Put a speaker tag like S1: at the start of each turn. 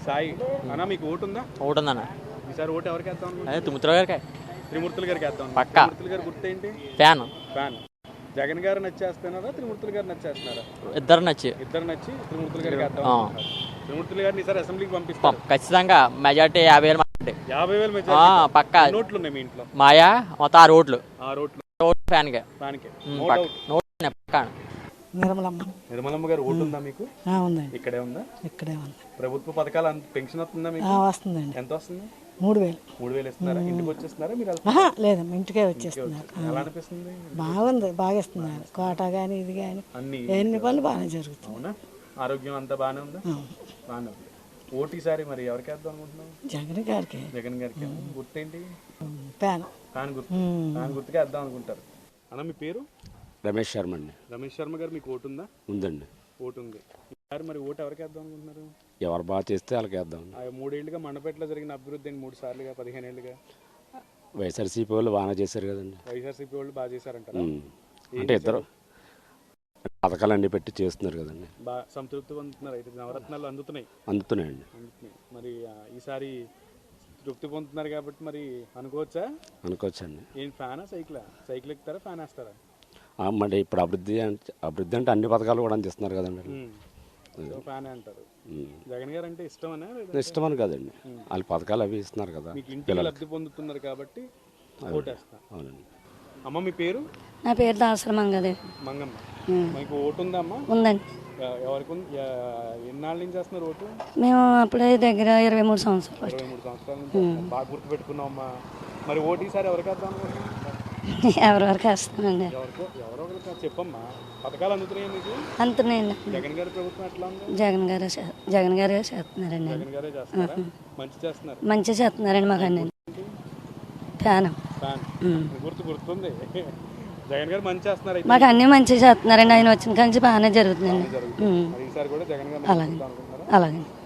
S1: సాయి అన్న మీకు ఓటు ఉందా?
S2: ఓటు ఉందన్న.
S1: ఈసారి ఓటు ఎవరికి వేద్దాం?
S2: అదే త్రిమూర్తులు గారికి.
S1: త్రిమూర్తులు గారికి వేద్దాం.
S2: పక్కా.
S1: త్రిమూర్తులు గారి గుర్తేంటి?
S2: ఫ్యాన్.
S1: జగన్ గారు నచ్చేస్తున్నారా త్రిమూర్తులు గారు నచ్చేస్తున్నారా?
S2: ఇద్దరు నచ్చి
S1: త్రిమూర్తులు గారికి వేద్దాం. త్రిమూర్తులు గారిని ఈసారి అసెంబ్లీకి పంపిస్తారు
S2: ఖచ్చితంగా. మెజార్టీ 50,000.
S1: 50,000 మెజారిటీ.
S2: పక్కా.
S1: నోట్లు ఉన్నాయి మీ ఇంట్లో?
S2: మాయా మొత్తం 6 ఓట్లు.
S1: 6 ఓట్లు
S2: ఫ్యాన్కే.
S1: నిర్మలమ్మ గారు ఓటు ఉందా మీకు?
S3: ఉందండి.
S1: ఇక్కడే ఉందా?
S3: ఇక్కడే ఉంది.
S1: ప్రభుత్వ పథకాలు పెన్షన్ వస్తుందా మీకు?
S3: వస్తుందండి.
S1: ఎంత వస్తుంది?
S3: 3,000.
S1: 3,000 ఇస్తున్నారా? ఇంటికి వచ్చేస్తున్నారా మీరు?
S3: లేదు, ఇంటికే వచ్చేస్తున్నారు.
S1: ఎలా అనిపిస్తుంది?
S3: బాగుంది, బాగా ఇస్తున్నారు. కోట కానీ ఇది కానీ ఎన్ని పనులు బాగానే జరుగుతుంది.
S1: అవునా? ఆరోగ్యం అంతా బాగానే ఉందా? బాగానే ఉంది. ఓటు ఈసారి మరి ఎవరికి వేద్దాం అనుకుంటున్నాం?
S3: జగన్ గారికి.
S1: జగన్ గారికి. గుర్తేంటి?
S3: ఫ్యాన్
S1: గుర్తుకే వేద్దాం అనుకుంటారు. అన్న మీ పేరు?
S4: రమేష్ శర్మ అండి.
S1: రమేష్ శర్మ గారు మీకు ఓటు ఉందా?
S4: ఉందండి.
S1: ఓటు ఉంది. ఈసారి మరి ఓటు ఎవరికి వేద్దాం అనుకుంటున్నారు?
S4: ఎవరు బాగా చేస్తే వాళ్ళకి వేద్దాం.
S1: 3 ఏళ్ళుగా మండపేటలో జరిగిన అభివృద్ధి 3 సార్లుగా 15 ఏళ్ళుగా
S4: వైఎస్ఆర్సీపీ వాళ్ళు బాగానే చేశారు కదండి.
S1: వైఎస్ఆర్సీపీ వాళ్ళు బాగా చేశారంటారా?
S4: అంటే ఇద్దరు పథకాలు అన్ని పెట్టి చేస్తున్నారు కదండి.
S1: బాగా సంతృప్తి పొందుతున్నారు. అయితే నవరత్నాలు
S4: అందుతున్నాయండి.
S1: మరి ఈసారి తృప్తి పొందుతున్నారు కాబట్టి మరి
S4: అనుకోవచ్చండి.
S1: ఏం ఫ్యానా సైకిల్ ఎక్కుతారా ఫ్యాన్ వేస్తారా?
S4: మరి ఇప్పుడు అభివృద్ధి అంటే అన్ని పథకాలు కూడా అందిస్తున్నారు కదండి.
S1: ఫ్యానే అంటారు. జగన్ గారు అంటే
S4: ఇష్టమని కదండి, వాళ్ళ పథకాలు అవి ఇస్తున్నారు కదా,
S1: ఇంటికి లబ్ధి పొందుతున్నారు కాబట్టి ఓటేస్తా.
S4: అవునండి.
S1: అమ్మ మీ పేరు?
S5: నా పేరు దాసరి మంగమ్మ.
S1: మీకు ఓటు ఉందా అమ్మా?
S5: ఉందండి.
S1: ఎవరికి? ఎన్నాళ్ళ నుంచి చేస్తున్నారు ఓటు?
S5: మేము అప్పుడే దగ్గర 23 సంవత్సరాలు.
S1: 23 సంవత్సరాల నుంచి బాగా గుర్తు పెట్టుకున్నాం అమ్మా. మరి ఓటు ఈసారి ఎవరికి వేద్దాం?
S5: ఎవరెవరికి వేస్తానండి.
S1: ఎవరో చెప్పమ్మా. పథకాలు అందుతున్నాయి మీకు?
S5: అంతున్నాయండి.
S1: జగన్ గారి ప్రభుత్వం ఎట్లా ఉంది?
S5: జగన్ గారే చేస్తున్నారండి.
S1: జగన్ గారే చేస్తున్నారా?
S5: మంచిగా చేస్తున్నారండి మాకు అన్ని. ఫ్యాన్
S1: గుర్తుంది. జగన్ గారు మంచి చేస్తున్నారు.
S5: మాకు అన్ని మంచిగా చేస్తున్నారండి. ఆయన వచ్చిన కానీ బాగానే జరుగుతుందండి.
S1: ఈసారి కూడా జగన్ గారు
S5: అలాగే.